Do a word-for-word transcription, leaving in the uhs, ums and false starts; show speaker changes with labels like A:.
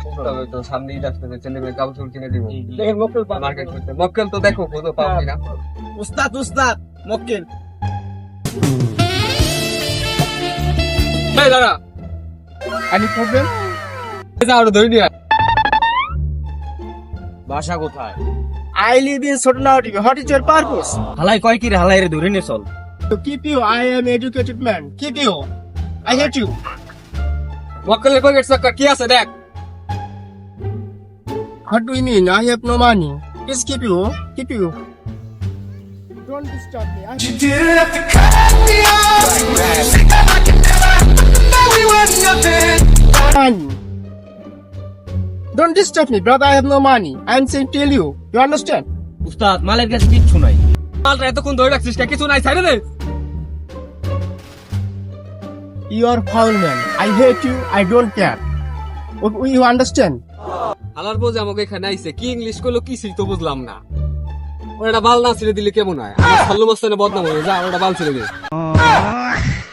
A: তবে তো সামনে ঈদ আসতেছে, ছেলে মেয়ে কাপড় কিনে দিব।
B: দেখেন মক্কেল পান।
A: মার্কেট করতে মক্কেল তো দেখো কোথাও পাও কিনা।
B: উস্তাদ উস্তাদ মক্কেল।
A: এই দাঁড়া,
B: এনি প্রবলেম?
A: যা ওটা ধরে নিয়ে আয়।
C: বাসা কোথায়?
B: I live in Sotanauti. What is your purpose?
C: হালাই কয় কি রে, হালাই রে ধরে নে চল।
B: To keep you, I am educated man. Keep you. I hate you.
A: মক্কেলের পকেট চাকা কি আছে দেখ।
B: What do you mean? I have no money. Please keep you. Keep you. Don't disturb me. I
D: You didn't have to cut me off. I can never know we were nothing.
B: have money. Don't disturb me, brother. I have no money. I am saying tell you. You understand?
C: উস্তাদ মালের কাছে কিচ্ছু নাই।
A: মালটা এতক্ষণ ধরে রাখছিস কে? কিছু নাই, ছাড়ে দে।
B: You are foul man. I hate you. I don't care. You you understand?
A: হালার বোঝে আমাকে এখানে আইছে, কি ইংলিশ করলো কি ছিল তো বুঝলাম না। ওর একটা বাল না ছেড়ে দিলে কেমন হয়? আমার সল্লো মস্তানে বদনাম হয়ে যা, ওর একটা বাল ছেড়ে দে।